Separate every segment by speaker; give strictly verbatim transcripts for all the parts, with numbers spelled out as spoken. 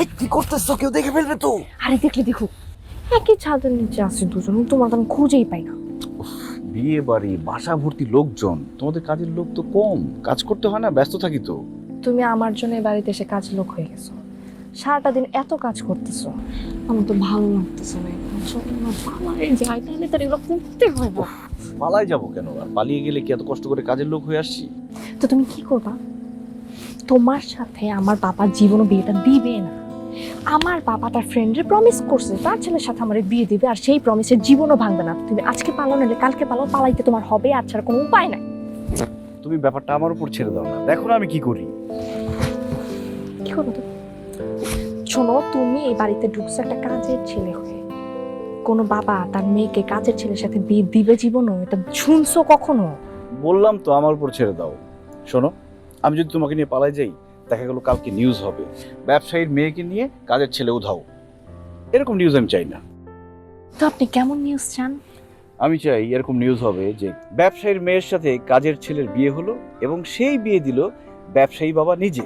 Speaker 1: কি করতেছো? কেউ দেখে ফেলবে তো।
Speaker 2: আরে দেখলে দেখো, একই ছাদের নিচে আছে দুজন, তোমার তো আমি খুঁজেই পাই না।
Speaker 1: বিয়ে বাড়ি, বাসা ভর্তি লোকজন, তোমাদের কাজের লোক তো কম, কাজ করতে হয় না, ব্যস্ত থাকি তো।
Speaker 2: তুমি আমার জন্য এই বাড়িতে এসে কাজ লোক হয়ে গেছো, সারাটা দিন এত কাজ করতেছো, আমার তো ভালো লাগতেছে না। পালাই যাই তাহলে তো এগুলো করতে হয় না।
Speaker 1: পালাই যাবো কেন? আর পালিয়ে গেলে কি এত কষ্ট করে কাজের লোক হয়ে আসছি?
Speaker 2: তো তুমি কি করবা? তোমার সাথে আমার বাবা জীবনও বিয়েটা দিবে না। আমার বাবা তার ফ্রেন্ডের প্রমিস করছে তার ছেলের সাথে আমার বিয়ে দিবে, আর সেই প্রমিসের জীবনও ভাঙবে না। তুমি আজকে পালো নাহলে কালকে পালো, পালাইতে তোমার হবে, আর ছাড়া কোনো উপায় নাই।
Speaker 1: তুমি ব্যাপারটা আমার উপর ছেড়ে দাও না, দেখো না আমি কি করি।
Speaker 2: কি করবো তো? শোনো, তুমি এই বাড়িতে ঢুকছো একটা কাজের ছেলে হয়ে। কোনো বাবা তার মেয়েকে কাজের ছেলের সাথে বিয়ে দিবে জীবনও? এটা শুনছো কখনো?
Speaker 1: বললাম তো আমার উপর ছেড়ে দাও। শোনো, আমি যদি তোমাকে নিয়ে পালাই যাই, দেখা গেল কালকে নিউজ হবে ব্যবসায়ীর মেয়েকে নিয়ে কাজের ছেলে উধাও। এরকম নিউজ আমি চাই না।
Speaker 2: তো আপনি কেমন নিউজ চান?
Speaker 1: আমি চাই এরকম নিউজ হবে যে ব্যবসায়ীর মেয়ের সাথে কাজের ছেলের বিয়ে হলো এবং সেই বিয়ে দিল ব্যবসায়ী বাবা নিজে।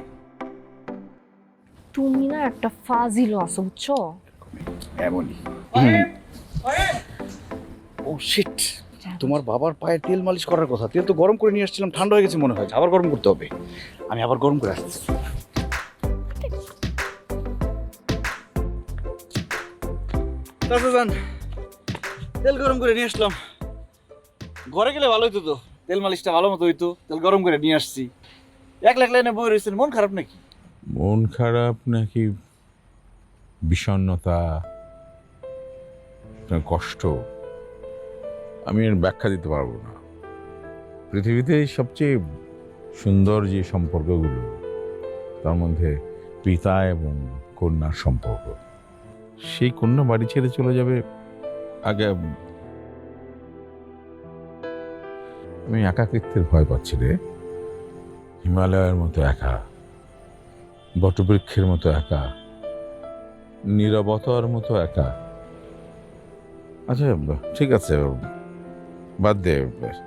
Speaker 2: তুমি না একটা ফাজিল আছো, বুঝছো?
Speaker 1: এমনই। ও শিট, তোমার বাবার পায়ে তেল মালিশ করার কথা। তেল তো গরম করে নিয়ে আসছিলাম, ঠান্ডা হয়ে গেছে মনে হয়, আবার গরম করতে হবে। আমি আবার গরম করে আসছি। তেল গরম করে নিয়ে আসলাম। ঘরে গেলে ভালো হইতো তো, তেল মালিশটা ভালো মতো হইতো। তেল গরম করে নিয়ে আসছি। এক লাখ লাইনে বই রয়েছেন, মন খারাপ নাকি?
Speaker 3: মন খারাপ নাকি বিষণ্ণতা, না কষ্ট, আমি এর ব্যাখ্যা দিতে পারবো না। পৃথিবীতে সবচেয়ে সুন্দর যে সম্পর্কগুলো, তার মধ্যে পিতা এবং কন্যার সম্পর্ক। সেই কন্যা বাড়ি ছেড়ে চলে যাবে, আগে আমি একাকিত্বের ভয় পাচ্ছি রে। হিমালয়ের মতো একা, বটবৃক্ষের মতো একা, নীরবতার মতো একা। আচ্ছা ঠিক আছে, বাদ দে।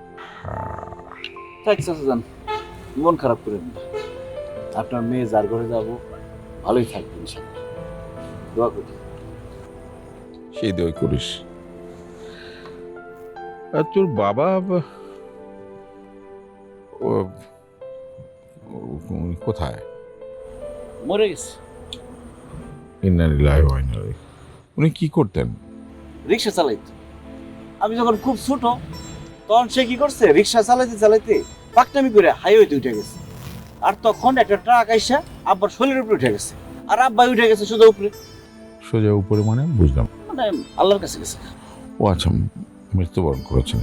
Speaker 1: থাক চাচাজান, মন খারাপ করেন না। আপনার মেয়ে যার ঘরে যাবো ভালোই থাকবে ইনশাআল্লাহ, দোয়া করি।
Speaker 3: সেই দই করিস। আর তোর বাবা ও ও- কোথায়?
Speaker 1: মরে গেছে।
Speaker 3: ইন্না লিল্লাহি ওয়া ইন্না ইলাইহি। উনি কি করতেন?
Speaker 1: রিক্সা চালাইতো। আমি যখন খুব ছোট তখন সে কি করছে, রিক্সা চালাইতে চালাইতে পাকনামি করে হাইওয়েতে উঠে গেছে। আর তখন একটা ট্রাক আইসা আব্বার শরীরের উপরে উঠে গেছে, আর আব্বাই উঠে গেছে সোজা উপরে।
Speaker 3: সোজা উপরে মানে বুঝলাম।
Speaker 1: মানে আল্লাহর কাছে গেছে।
Speaker 3: ও আচ্ছা, মৃত্যুবরণ করেছেন।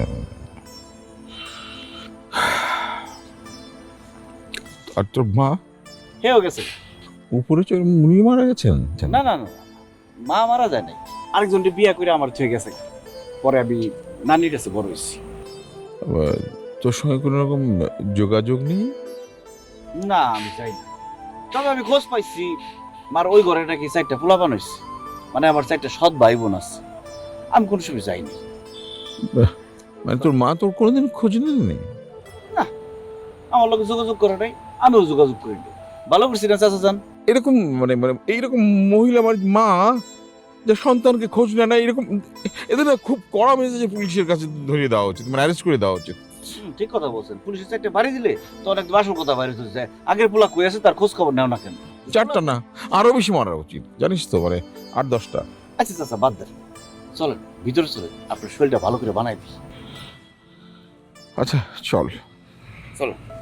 Speaker 3: আর তোর মা
Speaker 1: হেও গেছে।
Speaker 3: উপরে চড়ে উনি মারা গেছেন?
Speaker 1: না না না, মা মারা যায় নাই, আরেকজনকে বিয়ে করে আমার থেকে গেছে। পরে আমি নানির কাছে বড় হয়েছি।
Speaker 3: আবার তোর সঙ্গে কোনো রকম যোগাযোগ নেই?
Speaker 1: না আমি চাই না, তবে আমি খোঁজ পাইছি মার ওই ঘরে নাকি চারটা পোলাপান হয়েছে, মানে আমার চারটা সৎ ভাই বোন আছে। আমি কোনো সময় যাইনি।
Speaker 3: মানে তোর মা তোর কোনোদিন খোঁজ নেননি?
Speaker 1: আমার লোক যোগাযোগ করে নাই, আমিও যোগাযোগ করি নাই। ভালো করছি না চাচা যান?
Speaker 3: এরকম মানে মানে এইরকম মহিলা আমার মা যে সন্তানকে খোঁজ নেয় না, এরকম এদের না খুব কড়া মেজাজে পুলিশের কাছে ধরিয়ে দেওয়া উচিত, মানে অ্যারেস্ট করে দেওয়া উচিত।
Speaker 1: হুম, ঠিক কথা বলছেন। পুলিশের চারটে বাড়ি দিলে তখন একদম আসল কথা বাইরে হতে যায়। আগের পোলা কই আছে তার খোঁজ খবর নেও না কেন?
Speaker 3: চারটা না, আরো বেশি মারা উচিত, জানিস তো, মানে আট দশটা।
Speaker 1: আচ্ছা চাচা বাদ দেন, চলেন ভিতরে চলেন, আপনার শরীরটা ভালো করে বানাই দিই।
Speaker 3: আচ্ছা চল।
Speaker 1: চলো।